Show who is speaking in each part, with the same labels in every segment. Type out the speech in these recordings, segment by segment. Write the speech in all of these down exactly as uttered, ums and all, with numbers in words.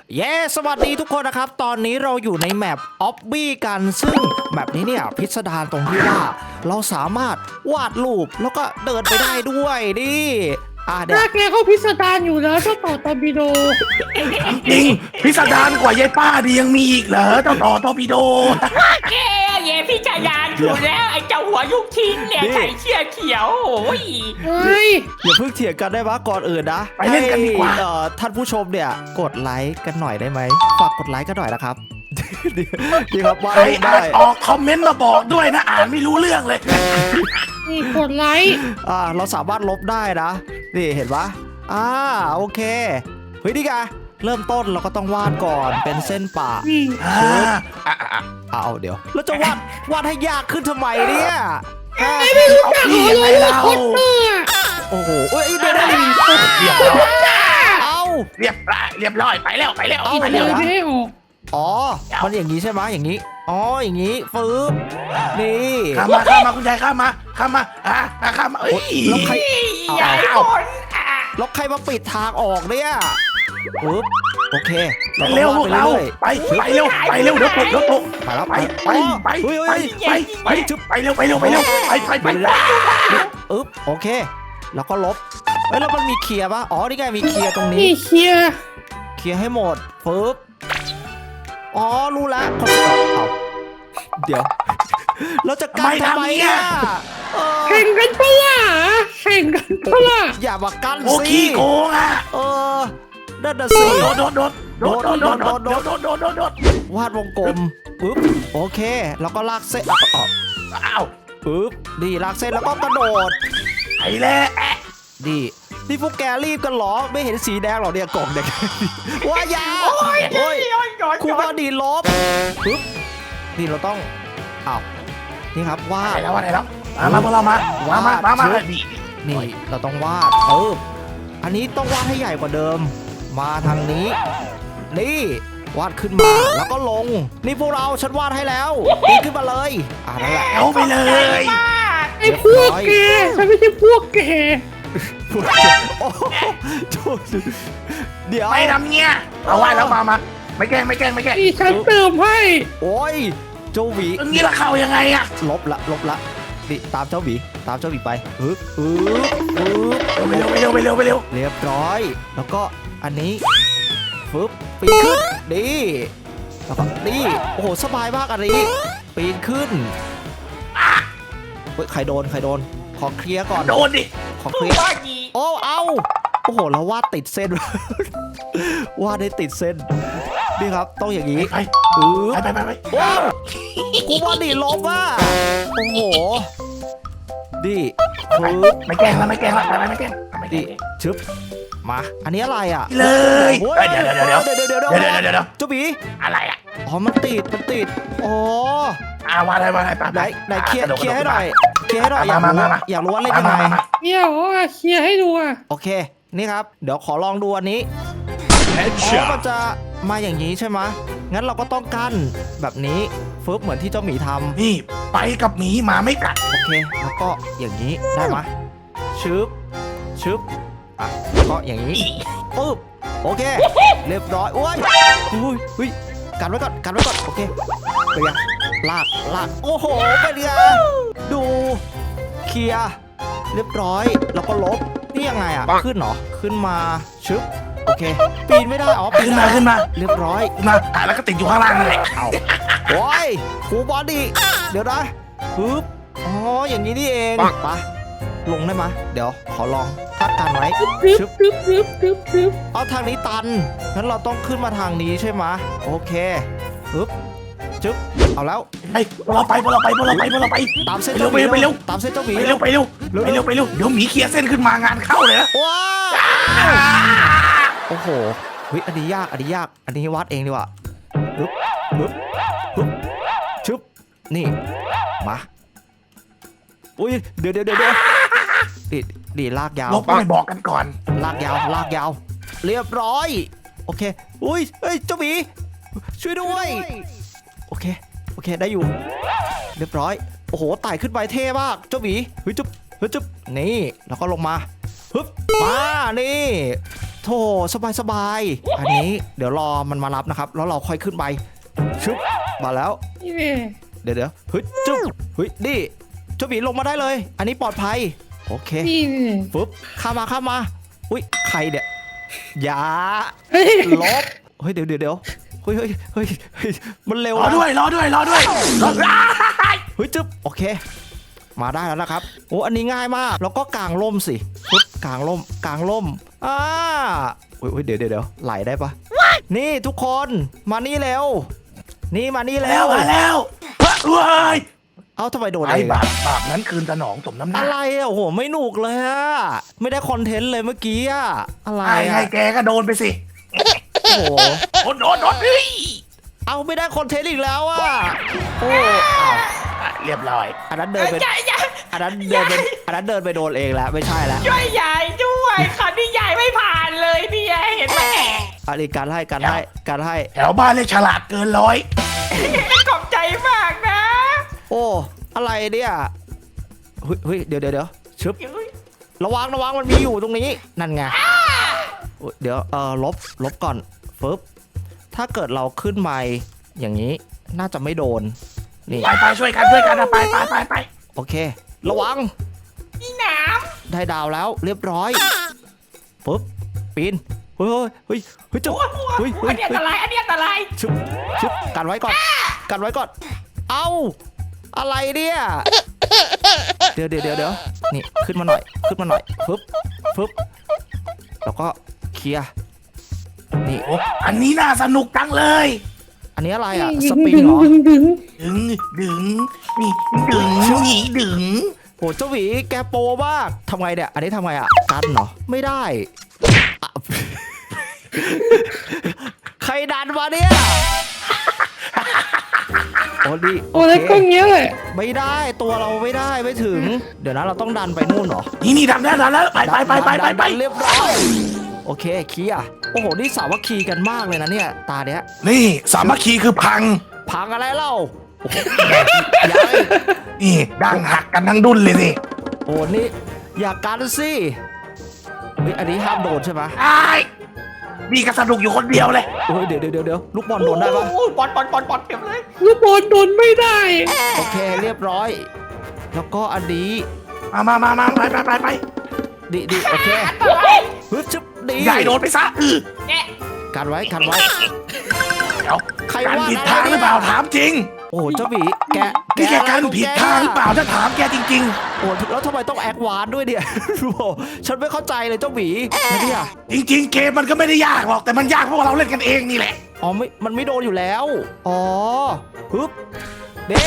Speaker 1: เย้สวัสดีทุกคนนะครับตอนนี้เราอยู่ในแมปออบบี้กันซึ่งแมปนี้เนี่ยพิสดารตรงที่ว่าเราสามารถวาดรูปแล้วก็เดินไปได้ด้วยดิอ่ะเดี๋ยว
Speaker 2: ถ้าแกเขาพิสดารอยู่แล้วเจ้าต่อตอร์ปิโด
Speaker 3: จริงพิสดารกว่ายายป้าดียังมีอีกเหรอเจ้าต่อทอร์ปิโด
Speaker 4: แกเย่พี่ชายานอยู่แล้วไอ้เจ้าหัวยุกทิ้งเนี่ยใส่เชี่ยเขียวโอ้ย
Speaker 2: เฮ้ย
Speaker 1: อย่าเพิ่งเถียงกันได้ปะก่อนอื่นนะ
Speaker 3: ไปเล่นกันดีกว่า
Speaker 1: ให้เอ่อท่านผู้ชมเนี่ยกดไลค์กันหน่อยได้ไหมฝากกดไลค์กันหน่อยนะครับ ดีครับวาด
Speaker 3: ใคร
Speaker 1: รูป
Speaker 3: อ่า
Speaker 1: ได้
Speaker 3: นออกคอมเมนต์มาบอกด้วยนะอ่านไม่รู้เรื่องเลย
Speaker 2: นี่กดไลค์
Speaker 1: อ่าเราสามารถลบได้นะนี่เห็นปะอ่าโอเคเฮ้ยนี่ไงเริ่มต้นเราก็ต้องวาดก่อนเป็นเส้นป่า
Speaker 2: นี่
Speaker 3: อ่าอ่ะอ่ะ
Speaker 1: เอาเดี๋ยวแล้วจะวาดวาดให้ยากขึ้นทำไมเนี่ย
Speaker 2: ไม่รู้จักเหรอเลยว่าคอตเตอร์อะ
Speaker 1: โอ้โหเอ้ยเดี๋ยวได้
Speaker 3: เรียบร้อย
Speaker 1: เอา
Speaker 3: เรียบร้อยเรียบร้อยไปแล้วไปแล้ว
Speaker 1: เอา
Speaker 3: ไป
Speaker 2: เล
Speaker 3: แล้ว
Speaker 2: ยไม่ให้ออก
Speaker 1: อ๋อมันอย่างนี้ใช่ไหมอย่างนี้อ๋ออย่างนี้ฟืบนี่
Speaker 3: ข้ามมาข้ามมาคุณยายข้ามมาข้ามมาอ่ะอ่ะข้ามมาเอ้ย
Speaker 1: แล้วใคร
Speaker 4: ใหญ่คนอ่ะ
Speaker 1: แล้วใครมาปิดทางออกเนี่ยปึ๊บโอเค
Speaker 3: เร็วพวกเรา
Speaker 1: ไป
Speaker 3: ไปไปเร็วไปเร็วเดี๋ยวตกเดี๋ยวตก
Speaker 1: ไปแล้ว
Speaker 3: ไปไปไป
Speaker 1: เฮ้ย
Speaker 3: ไป
Speaker 1: เฮ้ย
Speaker 3: ไปไปไปเร็วไปเร็วไปเร็วไปไปไป
Speaker 1: อึ๊บโอเค แล้วก็ลบเฮ้ยแล้วมันมีเคลียร์ปะอ๋อนี่ไงมีเคลียร์ตรงนี้
Speaker 2: นี่เคลียร์
Speaker 1: เคลียร์ให้หมดปึ๊บอ๋อรู้แล้วคนเอาเดี๋ยว เราจะกันทำไมอ่ะเออ
Speaker 2: แข่งกันปะล่ะแข่งกันปะล่ะ
Speaker 1: อย่ามากัน
Speaker 3: โอ้
Speaker 1: สิ
Speaker 3: ขี้โกงอ่ะ
Speaker 1: เออนั่นน่ะสิ
Speaker 3: โดดโดดโดดโดดโดดโดดโดดโดดโดดโดดโดดโดด
Speaker 1: วาดวงกลมปึ๊บโอเค แล้วก็ลากเส้นอ่ะอ่ะ
Speaker 3: อ้าว
Speaker 1: ปึ๊บดีลากเส้นแล้วก็กระโดด
Speaker 3: ไปแล้ว
Speaker 1: ดีนี่พวกแกรีบกันเหรอไม่เห็นสีแดงหรอเนี่ยกล่องแดง ว้ายาโอ้ย
Speaker 4: โอ้ยโอ้ย
Speaker 1: ครูบอดีลบปึ๊บนี่เราต้องอ้าวนี่ครับวา
Speaker 3: ไป
Speaker 1: ด
Speaker 3: แล้วว่าไหนแล้วมามาพวกเรามามามามามานี่
Speaker 1: นี่เราต้องวาดเอออันนี้ต้องวาดให้ใหญ่กว่าเดิม มาทางนี้ นี่วาดขึ้นมาแล้วก็ลง นี่พวกเราฉันวาดให้แล้วนี่ขึ้นมาเลยอ่านั่นแหละ
Speaker 3: เอาไปเลย
Speaker 4: มาก
Speaker 2: ไอ้พวกแกฉันไม่ใช่พวกแก
Speaker 1: โอ้โหเดี๋ยว
Speaker 3: ไม่ทำเงี้ยเอาไว้แล้วมามาไม่แกล้งไม่แกล้งไม่แกล้ง
Speaker 2: นี่ฉันเติมให้
Speaker 1: โอ้ยเจ้าหวี
Speaker 3: อย่างนี้ละเข้ายังไงอะ
Speaker 1: ลบละลบละนี่ตามเจ้าหวีตามเจ้าหวีไปฮึบฮึบฮึบ
Speaker 3: ไปเร็วไปเร็วไปเร็วไปเร็ว
Speaker 1: เรียบร้อย แล้วก็อันนี้ฟึบปีนขึ้นดีแล้วก็นี่โอ้โหสบายมากอันนี้ปีนขึ้นเฮ้ยใครโดนใครโดนขอเคลียร์ก่อน
Speaker 3: โดนดิ
Speaker 1: ขอเคลียร์
Speaker 4: ว่าดี
Speaker 1: โอ้เอาโอ้โหเราวาดติดเส้น วาดได้ติดเส้นนี่ครับต้องอย่างนี้
Speaker 3: ไป
Speaker 1: อือ
Speaker 3: ไปไปไปไป
Speaker 1: ว้าวกูว่าดีลบอ่ะโอ้โหดีปึ๊บ
Speaker 3: ไม่แกล้งแล้วไม่แกล้งแล้วไปไม่แกล้งไม่แกล้
Speaker 1: ดี
Speaker 3: ง
Speaker 1: ชึบมาอันนี้อะไรอ่ะ
Speaker 3: เลย
Speaker 1: โอ้
Speaker 3: เดี๋ยวเดี๋ยวเดี๋ยว
Speaker 1: เดี๋ยวเดี๋ยวเดี๋ยว
Speaker 3: เดี๋ยวเดี๋ยวเดี๋ยว
Speaker 1: เจ้าบี
Speaker 3: อะไรอะ
Speaker 1: อ๋อมันติดมันติดอ๋อ
Speaker 3: อ่าว่าอะไรว่าอะไรไป
Speaker 1: ไหนไหนเคลียร์เคลียร์ให้หน่อยเคลียร์ให้หน่อยอยาก
Speaker 3: มา
Speaker 1: รู้
Speaker 3: มามา
Speaker 1: อยากรู้ว่าเล่นยังไง
Speaker 2: เดี๋ยวอ่ะเคลียร์ให้ดูอ่ะ
Speaker 1: โอเคนี่ครับเดี๋ยวขอลองดูอันนี้อ๋อมันจะมาอย่างนี้ใช่ไหมงั้นเราก็ต้องกั้นแบบนี้ฟึบเหมือนที่เจ้าหมีทำ
Speaker 3: นี่ไปกับหมีหมาไม่กัด
Speaker 1: โอเค แล้วก็อย่างนี้ได้ไหมชึบชึบอ่ะแล้วก็อย่างนี้ปึ๊บโอเค เรียบร้อยโอ้ยอุ้ยอุ้ยกันไว้ก่อนกันไว้ก่อนโอเคเป็นไงลากลากโอ้โหเป็นไงดูเคลียร์เรียบร้อยแล้วก็ลบนี่ยังไงอ่ะขึ้นเหรอขึ้นมาชึบโอเคปีนไม่ได้อ๋อปี
Speaker 3: ขึ้น
Speaker 1: น
Speaker 3: มา
Speaker 1: ได้
Speaker 3: ขึ้นมา
Speaker 1: เรียบร้อย
Speaker 3: ขึ้นมาอ่ะแล้วก็ติดอยู่ข้างล่างนั่นแหละ
Speaker 1: เอาโอ้ยครูบอดี้เดี๋ยวนะปึ๊บอ๋ออย่างนี้นี่เองไปลงได้ไหมเดี๋ยวขอลองทักกันไว้
Speaker 2: ตึ๊บ
Speaker 1: ชึบ
Speaker 2: ตึ๊บตึ๊บตึ๊บตึ๊บ
Speaker 1: เอาทางนี้ตันงั้นเราต้องขึ้นมาทางนี้ใช่ไหมโอเคปึ๊บจึ๊บเอาแล้ว
Speaker 3: ไปพวกเราไปพวกเราไปพวกเราไปพวกเราไป
Speaker 1: ตามเส้น
Speaker 3: ไป
Speaker 1: เจ้าห
Speaker 3: เร็
Speaker 1: มี
Speaker 3: วไปเร็ว
Speaker 1: ตามเส้นเจ้าหมี
Speaker 3: ไปเร็วไปเร็วไปเร็วไปเร็วเดี๋ยวหมีเคลียร์เส้นขึ้นมางานเข้าเลยนะ
Speaker 1: ว้าวโอ้โหเฮ้ยอันนี้ยากอันนี้ยากอันนี้วัดเองดีกว่าปึ๊บปึ๊บปึ๊บชึบนี่มาอุ้ยเดี๋ยวเดี๋ยวเดี๋ยวดิดิลากยาว
Speaker 3: ลบไม่บอกกันก่อน
Speaker 1: ลากยาวลากยาวเรียบร้อยโอเคอุ้ยเฮ้ยเจ้าหมีช่วยด้วยโอเคโอเคได้อยู่เรียบร้อยโอ้โหไต่ขึ้นไปเท่มากเจ้าหมีเฮ้ยจุ๊บเฮ้ยจุ๊บนี่แล้วก็ลงมาฮึบมานี่โธ่สบายสบายๆอันนี้เดี๋ยวรอมันมารับนะครับ แล้วเราค่อยขึ้นไปชึบมาแล้ว
Speaker 2: นี่แน่
Speaker 1: เดี๋ยวเดี๋ยวเฮ้ยจุ๊บเฮ้ยนี่เจ้าหมีลงมาได้เลย อันนี้ปลอดภัยโอเค
Speaker 2: นี่แน่
Speaker 1: ปึ๊บข้ามมาข้ามมาอุ้ยใครเนี่ยอย่า
Speaker 2: เฮ้ย
Speaker 1: ลบเฮ้ยเดี๋ยวเดี๋ยวเดี๋ยวเฮ้ยเฮ้ยเฮ้ยเฮ้ยมันเร็ว
Speaker 3: รอ
Speaker 1: นะ
Speaker 3: ด้วยรอด้วยรอด้วยรอด้วย
Speaker 1: เฮ้ยจึ๊บโอเค มาได้แล้วนะครับโอ้อันนี้ง่ายมากแล้วก็กางร่มสิปึ๊บกางร่มกางร่มอ่าอุ้ยอุ้ยเดี๋ยวเดี๋ยวเดี๋ยวไหลได้ปะนี่ทุกคนมานี่เร็ว นี่มานี่
Speaker 3: แล้
Speaker 1: แล้ว ว
Speaker 3: มาแล้วเว้ย
Speaker 1: เอ้าทำไมโดน
Speaker 3: ไอ้
Speaker 1: เอง
Speaker 3: บา
Speaker 1: อะ
Speaker 3: ปบาปนั้นคืนสนองสมน้ำหน้า
Speaker 1: อะไรอ่ะโอ้โหไม่หนุกเลยอะไม่ได้คอนเทนต์เลยเมื่อกี้อะอะไร
Speaker 3: ไอ้ไง
Speaker 1: อะ
Speaker 3: แกก็โดนไปสิ
Speaker 1: โอ้โห
Speaker 3: โดนโดนโดนเฮ้ย
Speaker 1: เอาไม่ได้คอนเทนต์อีกแล้วอะโอ้อ้าว
Speaker 3: อ่ะเรียบร้อย
Speaker 1: อันนั้นเดินไป
Speaker 4: ยายยาย
Speaker 1: อันนั้นเดินไปอันนั้นเดินไปโดนเองแล้วไม่ใช่แล้ว
Speaker 4: ช่วยยายด้วยคราวนี้ยายไม่ผ่านเลยพี่ยายเห็นไหม
Speaker 1: อันนี้การให้การให้การให้
Speaker 3: แถวบ้านเลยฉลาดเกินร้อย
Speaker 4: ขอบใจมากนะ
Speaker 1: โอ้อะไรเนี่ยเฮ้ยเฮ้ยเดี๋ยวเดี๋ยวเดี๋ยวชึบระวังระวังมันมีอยู่ตรงนี้นั่นไงโอ้ยเดี๋ยวเออลบลบก่อนฟึบถ้าเกิดเราขึ้นมาอย่างนี้น่าจะไม่โดนนี่
Speaker 3: ไปไปช่วยกันช่วยกันนะไปไปไปไป
Speaker 1: โอเค ระวัง
Speaker 4: นี่หนาม
Speaker 1: ได้ดาวแล้วเรียบร้อยปุ๊บปีนเฮ้ยเฮ้ยเฮ้ยจุ๊บ
Speaker 4: โอ้โห
Speaker 1: เฮ้ยเฮ้
Speaker 4: อั
Speaker 1: ย
Speaker 4: นนี้อัน
Speaker 1: เฮ้
Speaker 4: ต
Speaker 1: ย
Speaker 4: รายอันนี้อันตราย
Speaker 1: ชึบชึบกันไว้ก่อนกันไว้ก่อนเอ้าอะไรเนี่ยเดี๋ยวเดี๋ยวเดี๋ยวเดี๋ยวนี่ขึ้นมาหน่อยขึ้นมาหน่อยปึ๊บปึ๊บแล้วก็เคลียร์นี่
Speaker 3: โอ้อันนี้น่าสนุกจังเลย
Speaker 1: อันนี้อะไรอ่ะ
Speaker 2: ดึ
Speaker 1: ส
Speaker 2: ง
Speaker 1: ปริง
Speaker 2: ดึง
Speaker 1: เหรอ
Speaker 2: ดึงดึง
Speaker 3: ดึงดึงนี่ดึงนี่ดึง
Speaker 1: โหเจ้าหวีแกโปรมากทำไงเนี่ยอันนี้ทำไงอ่ะกันเหรอไม่ได้อ่ะ ใครดันมาเนี่ยโอ้ดี
Speaker 2: โอ้แล้วก็เงี้ยแหละ
Speaker 1: ไม่ได้ตัวเราไม่ได้ไม่ถึง เดี๋ยวนะเราต้องดันไปนู่นเหรอ
Speaker 3: นี่นี่ดังแล้วดังแล้วไปไปไปไปไปไป
Speaker 1: ดันเรียบร้อยโอเคเคลียร์โอ้โหนี่สามัคคีกันมากเลยนะเนี่ยตาเนี้ย
Speaker 3: นี่สามัคคีคือพัง
Speaker 1: พังอะไรเล่าโอ้โหยาย
Speaker 3: นี่ดังหักกันทั้งดุนเลยสิ
Speaker 1: โอ้นี่อย่ากันสิเฮ้ยอันนี้ห้ามโดนใช่ไหม
Speaker 3: ไอ้นี่ก็สนุกอยู่คนเดียวเลย
Speaker 1: โอ้ยเดี๋ยวเดี๋ยวเดี๋ยวลูกบอลโดนได้ปะ
Speaker 4: โอ้ยบอลบอลบอลบอลเต็มเลย
Speaker 2: ลูกบอลโดนไม่ได้
Speaker 1: โอเคเรียบร้อย แล้วก็อันนี้
Speaker 3: มามามามาไปไปไปไป
Speaker 1: ดีดีโอเค
Speaker 4: อันตราย
Speaker 1: ฮึบชึบดี
Speaker 3: ใหญ่โดนไปซะอือ
Speaker 4: เนี่ย
Speaker 1: กันไว้กันไว้
Speaker 3: เดี๋ยว
Speaker 1: ใคร
Speaker 3: การ
Speaker 1: ว่า
Speaker 3: ผิด
Speaker 1: อะไร
Speaker 3: ทางหรือเปล่าถามจริง
Speaker 1: โอ้โหเจ้าหมีแก
Speaker 3: นี่แกการผิดทางหรือเปล่าถ้าถามแกจริง
Speaker 1: โอ้แล้วทำไมต้องแอควานด้วยเนี่ย โอ้โหฉันไม่เข้าใจเลยเจ้าหมีนะเนี่ย
Speaker 3: ๆ จริง ๆ เกมมันก็ไม่ได้ยากหรอกแต่มันยากเพราะว่าเราเล่นกันเองนี่แหละ
Speaker 1: อ๋อไม่มันไม่โดนอยู่แล้วอ๋อฮึบเด็ก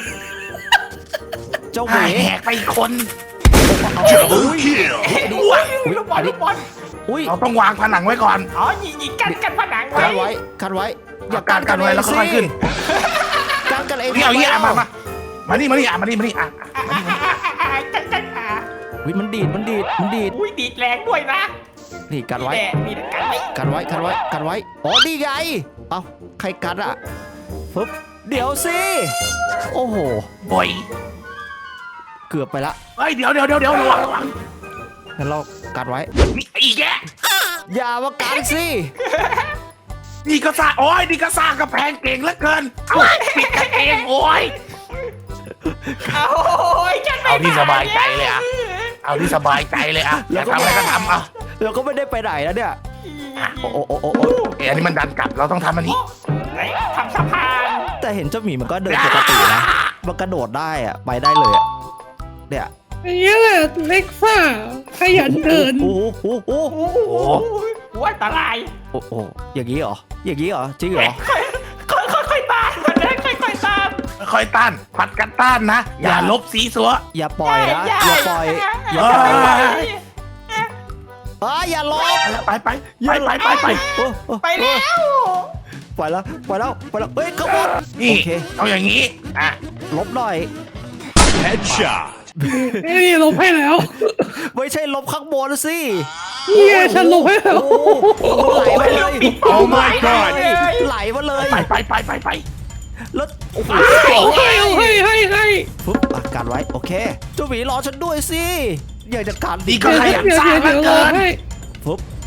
Speaker 1: เจ้าห
Speaker 3: หา
Speaker 1: มี
Speaker 3: ยแหกไปอีกคน
Speaker 1: อุ้ย
Speaker 3: อ้ว
Speaker 4: ลูกบอลลูกบอล
Speaker 1: อุ้ย
Speaker 3: เราต้องวางผนังไว้ก่อน
Speaker 4: อ๋อยิงยิงกันกันผนัง
Speaker 1: กัน
Speaker 4: ไว้
Speaker 1: ไว้กันไว้อย่า
Speaker 3: กันกันไว้แล้วค่อยๆขึ้น
Speaker 1: กันกันเอง
Speaker 3: นี่เอาอย่างนี้อ่ะมามามานี่มานี่อ่ะมานี่มานี่อ่ะ
Speaker 4: อ่ะอ่ะอ่ะอ่ะอ่ะกันกันอ่ะ
Speaker 1: อุ้ยมันดีดมันดีดมันดีด
Speaker 4: อุ้ยดีดแรงด้วยนะ
Speaker 1: นี่กันไว้
Speaker 4: แหละมีกันไว้
Speaker 1: กันไว้กันไว้กันไว้อ๋อนี่ไงเอ้าใครกันอ่ะปึ๊บเดี๋ยวสิโอ้โห
Speaker 3: บ่อย
Speaker 1: เกือบไปละ
Speaker 3: เฮ้ยเดี๋ยวเดี๋ยวเดี๋ยวเดี๋ยวระวังระวัง
Speaker 1: งั้นเรากันไว้
Speaker 3: นี่อีกแก
Speaker 1: อย่ามากันสิ
Speaker 3: นี่ก็สร้างโอ้ยนี่ก็สร้างกระแพงเก่งเหลือเกินเอาปิดกันเองโอ้ย
Speaker 4: เอาโอ้ยฉันไม่
Speaker 3: เอาที่
Speaker 4: ผ่น
Speaker 3: สบายใจเลยอะ เอาที่สบายใจเลยอ่ะอยากทำอะไรก็ทำอ่ะ
Speaker 1: เราก็ไม่ได้ไปไหนแล้วเนี่ยโอ้โอ้โอ้โอ้
Speaker 3: เอ้ยอันนี้มันดันกลับเราต้องทำอันนี้
Speaker 4: ไหนทำสะพาน
Speaker 1: แต่เห็นเจ้าหมีมันก็เดินปกตินะมันกระโดดได้อะไปได้เลยอะเนี่ย
Speaker 2: อย่างเงี้ยแหละเล็กซ่าขยันเดิน
Speaker 1: โอ้โหโอ้โห
Speaker 4: โอ้โหว่าอันตราย
Speaker 1: โอ้โหอย่างนี้เหรออย่างนี้เหรอจริงเหรอ
Speaker 4: ค่อยค่อยค่อยๆตามมันนะค่อยค่อยๆตาม
Speaker 3: ค่อยๆต้านผัดกันต้านนะ อย่าลบสีสัว
Speaker 1: อย่าปล่อยนะอย่าปล่อยอย่า
Speaker 3: เอ้ย
Speaker 1: ปล่อยเอ้ยอย่าลบ
Speaker 3: ไปไปไปไปไปไป
Speaker 1: โอ้โอ้
Speaker 4: ไปแล้ว
Speaker 1: ไปแล้วไปแล้วไปแล้วเฮ้ยขบวน
Speaker 3: นี่
Speaker 1: โอเค
Speaker 3: เอาอย่างนี้อ่ะ
Speaker 1: ลบหน่อย
Speaker 5: Headshot.
Speaker 2: นี่ลบให้แล้ว
Speaker 1: ไม่ใช่ลบข้างบนสิ
Speaker 2: นี่ไงฉันลบให้แล้ว
Speaker 1: โอ้โหไหลมาเลย
Speaker 5: Oh my god.
Speaker 1: ไหลมาเลย
Speaker 3: ไปไปไปไปไป
Speaker 1: แล้วโอ้โห
Speaker 2: เอาให้เอาให้ให้ให้
Speaker 1: ปุ๊บอ่ะกันไว้โอเคเจ้าหมีรอฉันด้วยสิอยากจะกัน
Speaker 3: นี่ก็ขยันสร้างเหลือเกิน
Speaker 1: ปุ๊บ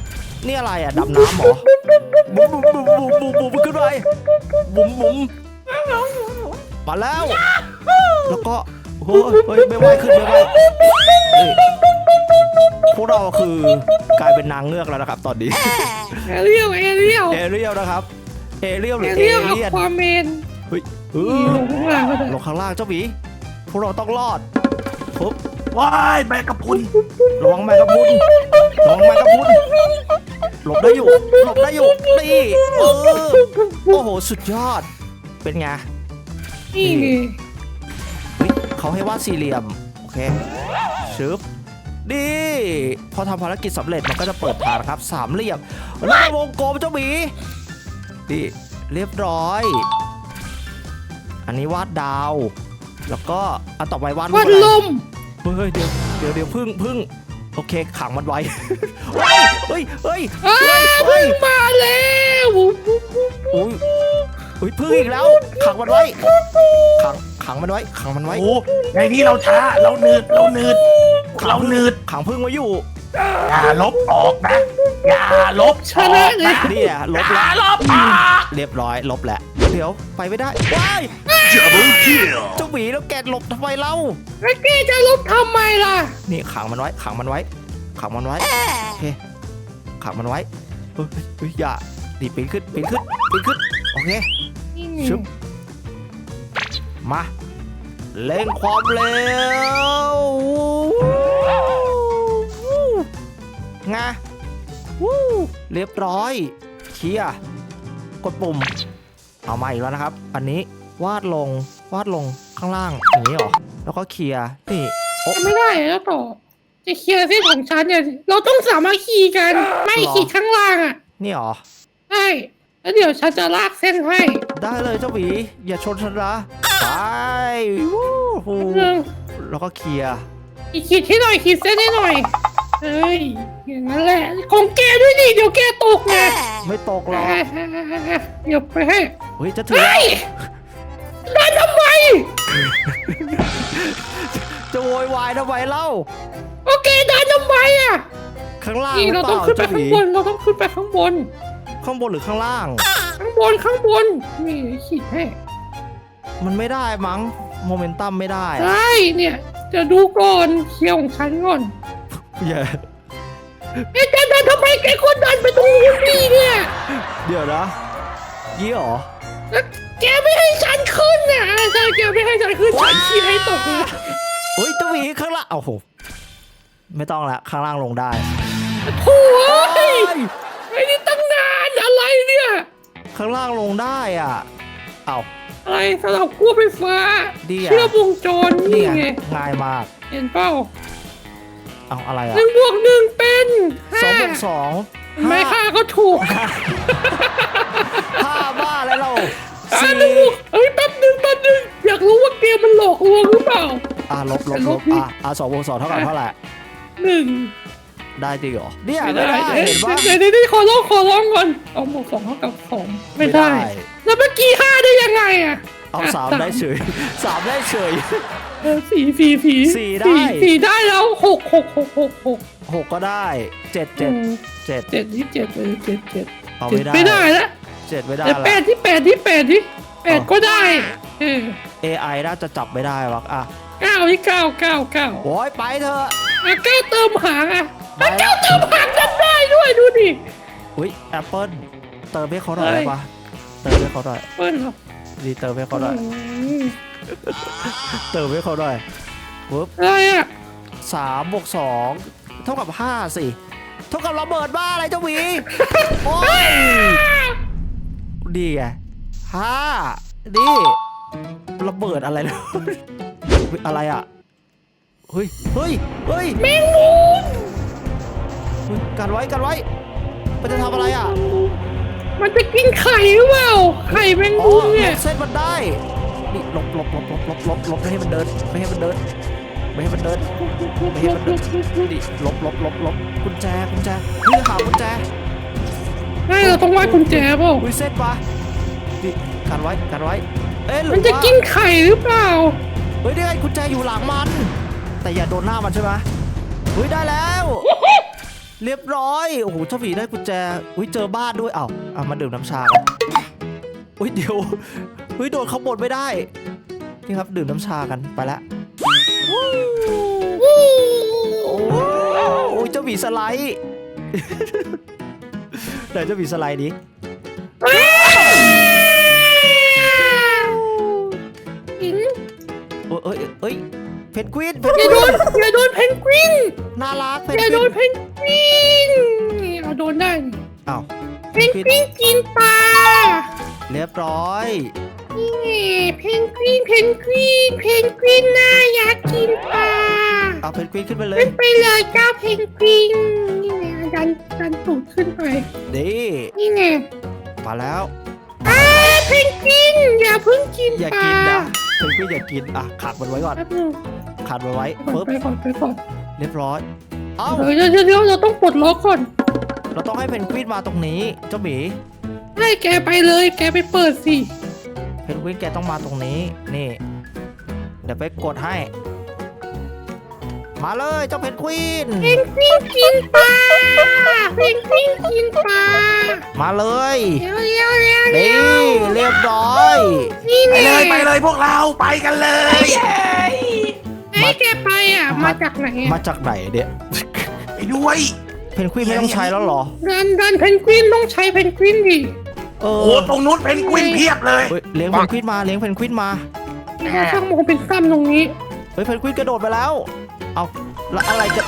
Speaker 1: นี่อะไรอ่ะดำน้ำเหรอบุ๋มบุ๋มบุ๋มบุ๋มบุ๋มบุ๋มขึ้นไปบุ๋มบุ๋มมาแล้ว แล้วก็เฮ้ยเฮ้ยไม่ไหวขึ้นไม่ไหวเฮ้ยพวกเราคือกลายเป็นนางเงือกแล้วนะครับ ตอนนี้
Speaker 2: เอเรียวเอเรียว
Speaker 1: เอเรียลนะครับเอเรียลห
Speaker 2: เอ
Speaker 1: รือเอ
Speaker 2: เรียว
Speaker 1: เลียน
Speaker 2: ความเมน
Speaker 1: เฮ้ยเอ
Speaker 2: นี่
Speaker 1: อ
Speaker 2: ลงข้างล่างก็ได้
Speaker 1: ลงข้างล่างเจ้าหมีพวกเราต้องรอดปุ๊บ
Speaker 3: ว้ายแมงกะพรุน
Speaker 1: ระวังแมงกะพรุนระวังแมงกะพรุนหลบได้อยู่หลบได้อยู่นี่เออโอ้โหสุดยอดเป็นไง
Speaker 2: นี่ไง
Speaker 1: เฮ้ยเขาให้วาดสี่เหลี่ยมโอเคชึบดีพอทำภารกิจสำเร็จมันก็จะเปิดทางนะครับสามเหลี่ยมแล้วก็วงกลมเจ้าหมีดีเรียบร้อย อันนี้วาดดาว แล้วก็อันต่อไปวาดรูป
Speaker 2: วัด
Speaker 1: อะไร
Speaker 2: ลม
Speaker 1: เฮ้ยเดี๋ยวเดี๋ยวเดี๋ยวพึ่งพึ่งโอเคขังมันไว้ เฮ้ยเฮ้ย
Speaker 2: อ้า
Speaker 1: เฮ้ย
Speaker 2: เพิ่
Speaker 1: เฮ้ย
Speaker 2: งมาแล้ว
Speaker 1: อุ้ยอุ้ยพึ่งอีกแล้วขังมันไว้ขังขังมันไว้ขังมันไว้
Speaker 3: โอ้ในนี้เราช้าเราเนืดเราเนืดเราเนืด
Speaker 1: ขังพึ่งไว้อยู่
Speaker 3: อย่าลบออกนะอย่าลบ
Speaker 2: ชนะเลย
Speaker 1: เนี่ยลบ
Speaker 3: อย่า
Speaker 1: แล้ว
Speaker 3: ลบออก
Speaker 1: เรียบร้อยลบแล้วเดี๋ยวไปไม่ได้ว้าย
Speaker 5: Double kill.
Speaker 1: เจ้าหมีแล้วแกหลบทำไมเล่า
Speaker 2: แล้วแกจะลบทำไมล่ะ
Speaker 1: นี่ขังมันไว้ขังมันไว้ขังมันไว้โอเคขังมันไว้เฮ้ยเฮ้ยอย่าดิปีนขึ้นปีนขึ้นปีนขึ้นโอเค
Speaker 2: นี่ไง
Speaker 1: ชึบมาเล่งความเร็วไงวู้เรียบร้อยเคลียร์กดปุ่มเอามาอีกแล้วนะครับ อันนี้วาดลงวาดลงข้างล่างอย่างนี้เหรอแล้วก็เคลียร์นี่โอ้
Speaker 2: ทำไม่ได้แล้วต่อ จะเคลียร์เส้นของฉันเนี่ยเราต้องสามัคคีกัน ไม่ขีดข้างล่างอ่ะ
Speaker 1: นี่เหรอ
Speaker 2: ใช่แล้วเดี๋ยวฉันจะลากเส้นให้
Speaker 1: ได้เลยเจ้าหวีอย่าชนฉันนะไปวู้ฮู
Speaker 2: หนึ่ง
Speaker 1: แล้วก็เคลียร์
Speaker 2: อีกขีดให้หน่อยขีดเส้นให้หน่อยเฮ้ยอย่างนั้นแหละของแกด้วยดิเดี๋ยวแกตกไง
Speaker 1: ไม่ตกหรอก
Speaker 2: เดี๋ยวไปให้
Speaker 1: เฮ้ยจะถึง
Speaker 2: เฮ้
Speaker 1: แล้ว
Speaker 2: ยได้ทำไม
Speaker 1: จะโวยวายทำไมเล่า
Speaker 2: โอเคได้ทำไมอ่ะ
Speaker 1: ข้างล่าง
Speaker 2: นี่
Speaker 1: หรื
Speaker 2: เรา
Speaker 1: อเป
Speaker 2: ต้อง
Speaker 1: ล่า
Speaker 2: ขึ้นไป
Speaker 1: เจ้าห
Speaker 2: ข้าง
Speaker 1: วี
Speaker 2: บนเราต้องขึ้นไปข้างบน
Speaker 1: ข้างบนหรือข้างล่าง
Speaker 2: ข้างบนข้างบนนี่ขีดให้
Speaker 1: มันไม่ได้มั้งโมเมนตัมไม่ได้
Speaker 2: ใช่เนี่ยจะดูก่อนเคลียร์ของฉันก่อน
Speaker 1: อย่า
Speaker 2: เอ๊ะแกเดินทำไมแกคนเดินไปตรงนู้นดีเนี่ย
Speaker 1: เดี๋ยวนะยี่หรอ
Speaker 2: แล้วแกไม่ให้ฉันขึ้นน่ะใช่แกไม่ให้ฉันขึ้นฉันขีดให้ตกเลย
Speaker 1: เฮ้ยเจ้าหวีข้างล่างโอ้โหไม่ต้องละข้างล่างลงได้
Speaker 2: โถ่เอ้ยไอ้นี่ตั้งนานอะไรเนี่ย
Speaker 1: ข้างล่างลงได้อ่ะเอ้า
Speaker 2: อะไรสำหรับกู้ไฟฟ้า
Speaker 1: ดีอะ
Speaker 2: เชื่อมวงจร
Speaker 1: นี่
Speaker 2: นี่
Speaker 1: ไง
Speaker 2: ไง
Speaker 1: ง่ายมาก
Speaker 2: เห็นเปล่า
Speaker 1: เอาอะไรอ่ะ
Speaker 2: หนึ่งบวกหนึ่งเป็น
Speaker 1: สองบ
Speaker 2: ห้าว
Speaker 1: กสอง
Speaker 2: ไม่ค่าก็ถูก
Speaker 1: ห้าบ้าอะไรเรา
Speaker 2: อ่ะ
Speaker 1: สี่
Speaker 2: หนึ่งบวกเอ้ยแป๊บหนึ่งแป๊บหนึ่งอยากรู้ว่าเกมมันหลอกลวงหรือเปล่า
Speaker 1: อ่ะลบลบลบอ่ะอ่ะสองบวกสองเท่ากับเท่าไหร่
Speaker 2: หนึ่ง
Speaker 1: ได้จริงเหรอเนี่ย
Speaker 2: ไม่
Speaker 1: ไม่
Speaker 2: ได้
Speaker 1: ได้
Speaker 2: เดี๋ยว
Speaker 1: เห็นปะ
Speaker 2: เดี๋ยวเดี๋ยวเดี๋ยวขอร้องขอร้องก่อนสองบวกสองเท่ากับสองไม่ได้
Speaker 1: ไม่ได้
Speaker 2: แล้วเมื่อกี้ห้าได้ยังไงอ่ะ
Speaker 1: เอา
Speaker 2: ะ
Speaker 1: สามได้เฉยสามได้เฉย
Speaker 2: เออสี่สี่สี่
Speaker 1: สี่ได้
Speaker 2: สี่ได้แล้วหกหกหกหกหก
Speaker 1: หกก็ได้เจ็ดเจ็ด
Speaker 2: อืม
Speaker 1: เจ็ด
Speaker 2: เจ็ดที่เจ็ดเออเจ็ดเจ็ด
Speaker 1: เอา
Speaker 2: เจ็
Speaker 1: ไม่
Speaker 2: ด
Speaker 1: ได้
Speaker 2: ไม่ได้แล้ว
Speaker 1: เจ็ดไม่ได้
Speaker 2: แต่
Speaker 1: ละ
Speaker 2: แปดที่แปดที่แปดที่แปดก็ได้เออ
Speaker 1: เอไอน่าจะจับไม่ได้วะอ่ะ
Speaker 2: เก้าที่เก้าเก้าเก้า
Speaker 1: โอ้ยไปเถอะ
Speaker 2: อ่ะเก้าเติมหางอ่ะ
Speaker 1: ไป
Speaker 2: อ่ะ
Speaker 1: แล้
Speaker 2: เก้าว เติมหางกันได้ด้วยดูดิ
Speaker 1: อุ้ยแอปเปิ้ลเติมให้เขาหน่อย
Speaker 2: เฮ้
Speaker 1: ได้
Speaker 2: ย
Speaker 1: ปะเติมให้เขาหน่อย
Speaker 2: เปิ้ลเหรอ
Speaker 1: ดีเติมให้เขาหน่อย
Speaker 2: อืม
Speaker 1: เติมให้เขาหน่อยปุ๊บ
Speaker 2: อะไรอ่ะ
Speaker 1: สามบวกสองเท่ากับห้าสิเท่ากับระเบิดบ้าอะไรเจ้าหวีโอ้ยดีไงห้าดีระเบิดอะไรนะ เฮ้ยอะไรอ่ะเฮ้ยเฮ้ยเฮ้ย
Speaker 2: แมงมุม
Speaker 1: เฮ้ยกันไว้กันไว้มันจะทำอะไรอ่ะ
Speaker 2: มันจะกินไข่หรือเปล่าไข่แมง
Speaker 1: อ๋อ
Speaker 2: มุม
Speaker 1: หล
Speaker 2: เนี่ย
Speaker 1: บเส้นมันได้นี่หลบหลบหลบหลบหลบหลบหลบไม่ให้มันเดินไม่ให้มันเดินไม่ให้มันเดินไม่ให้มันเดินนี่หลบหลบหลบหลบกุญแจกุญแจนี่หากุญแจ
Speaker 2: ให้เราต้องวาดกุญแจเปล่า
Speaker 1: อุ้ยเส้นปะนี่กันไว้กันไว้เอ๊ะหรือ
Speaker 2: มันจะ
Speaker 1: ว่า
Speaker 2: กินไข่หรือเปล่า
Speaker 1: เฮ้ยได้ไงกุญแจอยู่หลังมัน แต่อย่าโดนหน้ามันใช่ไหมเฮ้ยได้แล้วเรียบร้อยโอ้โหเจ้าหมีได้กุญแจอุ้ยเจอบ้านด้วยเอ้าเอามาดื่มน้ำชากันอุ้ยเดี๋ยวอุ้ยโดนเขาบดไม่ได้นี่ครับดื่มน้ำชากันไปละโอ้ยเจ้าหมีสไลด์ไหนเจ้าหมีสไลด์ดิ
Speaker 2: หิน
Speaker 1: เอ้ยเอ้ยเพนกวินเพ
Speaker 2: อน ย่าก
Speaker 1: วิ
Speaker 2: โด
Speaker 1: น
Speaker 2: นอย่าโดนเพนกวิน
Speaker 1: น่ารักเพน
Speaker 2: อย่าก โด
Speaker 1: วิ
Speaker 2: น
Speaker 1: น
Speaker 2: เพนกวินนี่เอาโดนได้นี่
Speaker 1: อ้าว
Speaker 2: เพนกวินกินปลา
Speaker 1: เรียบร้อย
Speaker 2: นี่เพนกวินเพนกวินเพนกวินน่าอยากกินปลา
Speaker 1: เอาเพนกวินขึ้นไปเล
Speaker 2: ขึ้
Speaker 1: ย
Speaker 2: นไปเลยเจ้าเพนกวินนี่ไงดันดันตูดขึ้นไป
Speaker 1: ดี
Speaker 2: นี่ไง
Speaker 1: มาแล้ว
Speaker 2: อ้าเพนกวินอย่าเพิ่งกิน
Speaker 1: อย่า
Speaker 2: ปลา
Speaker 1: กินนะเพนกวินอย่ากินอ่ะขัดมันไว้ก่อน
Speaker 2: แป๊บนึง
Speaker 1: ขัดมันไว้
Speaker 2: ก่อน
Speaker 1: ปึ๊บ
Speaker 2: ไปก่อนไปก่อน
Speaker 1: เรียบร้อยเอ้า
Speaker 2: เดี๋ยวเดี๋ยวเดี๋ยวเราต้องปลดล็อกก่อน
Speaker 1: เราต้องให้เพนกวินมาตรงนี้เจ้าหมี
Speaker 2: ให้แกไปเลยแกไปเปิดสิ
Speaker 1: เพนกวินแกต้องมาตรงนี้นี่เดี๋ยวไปกดให้ มาเลยเจ้าเพนกวิน
Speaker 2: เพนกวินกินปลาเพนกวินกินปลา
Speaker 1: มาเลย
Speaker 2: เร็วเร็วเร็วเร็
Speaker 1: นี่
Speaker 2: ว
Speaker 1: เรียบร้อย
Speaker 2: นี่
Speaker 3: ไป
Speaker 2: ไง
Speaker 3: เลยไปเลยพวกเราไปกันเลย
Speaker 2: ให้แกไปอ่ะมาจากไหน
Speaker 1: มา
Speaker 2: อ่ะ
Speaker 1: จากไหนเนี่ย
Speaker 3: ไปด้วย
Speaker 1: เพนกวินไม่ต้องใช้แล้วเหรอ
Speaker 2: ดันดันเพนกวินต้องใช้เพนกวินดิ
Speaker 1: เอ
Speaker 3: โอ้
Speaker 1: อ
Speaker 3: ตรงนู้นเพนกวินเพียบเลย
Speaker 1: เฮ้ยเลี้ยงเพนกวินมาเลี้ยงเพนกวินมา
Speaker 2: เราช่างโมเป็นซ้ำตรงนี้
Speaker 1: เฮ้ยเพนกวินกระโดดไปแล้ว เอาแล้วอะไรจะ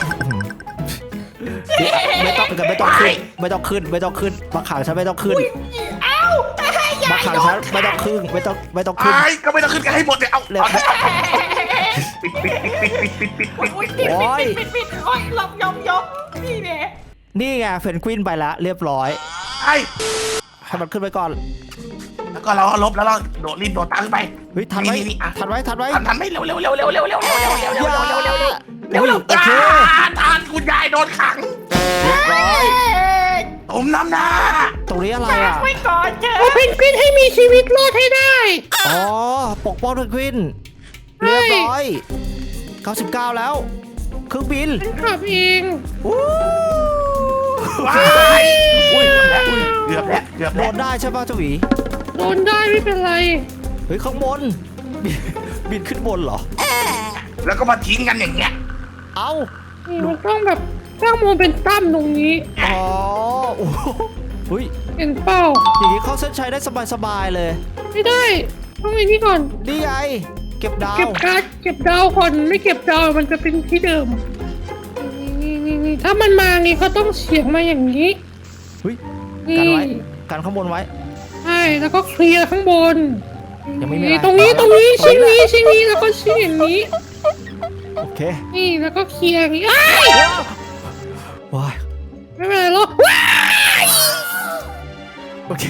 Speaker 1: ไม่ต้องไม่ต้องขึ้นไม่ต้องขึ้นไม่ต้องขึ้นมาขังฉันไม่ต้องขึ้น
Speaker 4: เอ้า
Speaker 1: มาขังฉันไม่ต้องขึ้นไม่ต้องไม่ต้องขึ้น
Speaker 3: ไอ้ก็ไม่ต้องขึ้นกันให้หมดเลยเอา
Speaker 1: เร็ว
Speaker 3: เอาปิดปิดปิดปิดปิดปิดปิดปิด
Speaker 4: ปิด
Speaker 1: โอ้ย
Speaker 4: ปิดปิดปิดโอ้ยหลบยอมยอมนี่แหละ
Speaker 1: นี่ไงเพนกวินไปแล้วเรียบร้อย
Speaker 3: ไอ้
Speaker 1: ให้มันขึ้นไปก่อน
Speaker 3: แล้วก็เราลบแล้วเราโดดรีบโดดตังไป
Speaker 1: เฮ้ยทันไว้
Speaker 3: นี่อ่ะ
Speaker 1: ทันไว้ทันไว้
Speaker 3: ทันทันไม่เร็วเร็วเร็วเร็วเร็วเร็วเร็วเร็วเร็วเร็วเร็วเร็วเร็วเร็วเร็ว
Speaker 1: เร็วโอเค
Speaker 3: ทานคุณยายโดนขัง
Speaker 1: เรียบร้อย
Speaker 3: ตุ่มน้ำหน้า
Speaker 1: ตรงนี้อะไร
Speaker 4: ฝาก
Speaker 1: อ่ะ
Speaker 4: ไว้ก่อนเถ
Speaker 2: เอา
Speaker 4: อะ
Speaker 2: เพนกวินให้มีชีวิตรอดให้ได้
Speaker 1: อ๋อปกป้องเพนกวินเรียบร้อยเก้าสิบเก้าแล้วเครื่องบิน
Speaker 2: ฉันขับเอง
Speaker 1: วู้
Speaker 3: ว้ายอุ้ยเกือบแล้วเกือบ
Speaker 1: โด
Speaker 3: แล้ว
Speaker 1: นได้ใช่ป่ะเจ้าหวี
Speaker 2: โดนได้ไม่เป็นไร
Speaker 1: เฮ้ยข้างบนบินบินขึ้นบนเหรอ
Speaker 3: แล้วก็มาทิ้งกันอย่างเงี้ย
Speaker 1: เอ้า
Speaker 2: นี่มันต้องแบบช่างโมเป็นตั้มตรงนี้
Speaker 1: อ๋อโอ้โหเฮ้ย
Speaker 2: เห็นเป้า
Speaker 1: อย่างนี้เข้าเส้นชัยได้สบายๆเลย
Speaker 2: ไม่ได้ต้องไอ้นี่ก่อน
Speaker 1: นี่ไงเก็บดาว
Speaker 2: เก็บการ์ดเก็บดาวก่อนไม่เก็บดาวมันจะเป็นที่เดิมนี่นี่นี่ถ้ามันมางี้เขาต้องเฉียงมาอย่างนี้
Speaker 1: เฮ้ย
Speaker 2: นี่
Speaker 1: กันไว้กันข้างบนไว้
Speaker 2: ใช่แล้วก็เคลียร์ข้างบน
Speaker 1: ยังไม่มีอะไร
Speaker 2: ตรงนี้ตรงนี้
Speaker 1: ตรง
Speaker 2: ชิ้น
Speaker 1: นี้
Speaker 2: นี้ชิ้นนี้แล้วก็ชิ้นอย่างนี้
Speaker 1: โอเค
Speaker 2: นี่แล้วก็เคลียร์อย่างนี้อ้าย
Speaker 1: ว้าย
Speaker 2: ไม่เป็นไรหรอกว้าย
Speaker 1: โอเค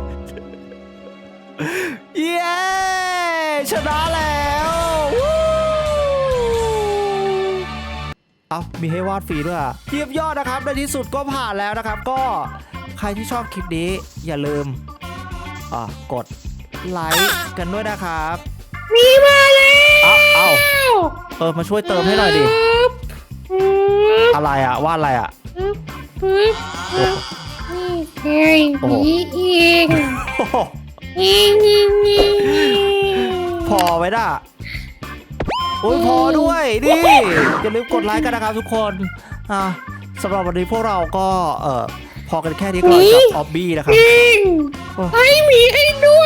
Speaker 1: เย้ชนะแล้ววู้เอามีให้วาดฟรีด้วยอ่ะเทียบยอดนะครับในที่สุดก็ผ่านแล้วนะครับ ก็ใครที่ชอบคลิปนี้อย่าลืมอ่ากดไลค์กันด้วยนะครับ
Speaker 2: มีมาแล้ว
Speaker 1: เอาเอาเออมาช่วยเติมให้หน่อยดิ
Speaker 2: ปึ๊บปึ๊บ
Speaker 1: อะไรอ่ะวาดอะไรอ่ะ
Speaker 2: ปึ๊บปึ๊บ
Speaker 1: โอ้โห
Speaker 2: นี่ไง
Speaker 1: โอ้โห
Speaker 2: นี่เอง
Speaker 1: โอ้โห
Speaker 2: นี่นี่นี่
Speaker 1: พอไว้ด่ะโอ้ยพอด้วยดิอย่าลืมกดไลค์กันนะครับทุกคนอ่ะสำหรับวันนี้พวกเราก็เออพอกันแค่นี้ก่อนกับออบบี้นะครับ
Speaker 2: จริง
Speaker 1: โอ้
Speaker 2: ให้หมีให้ด้วย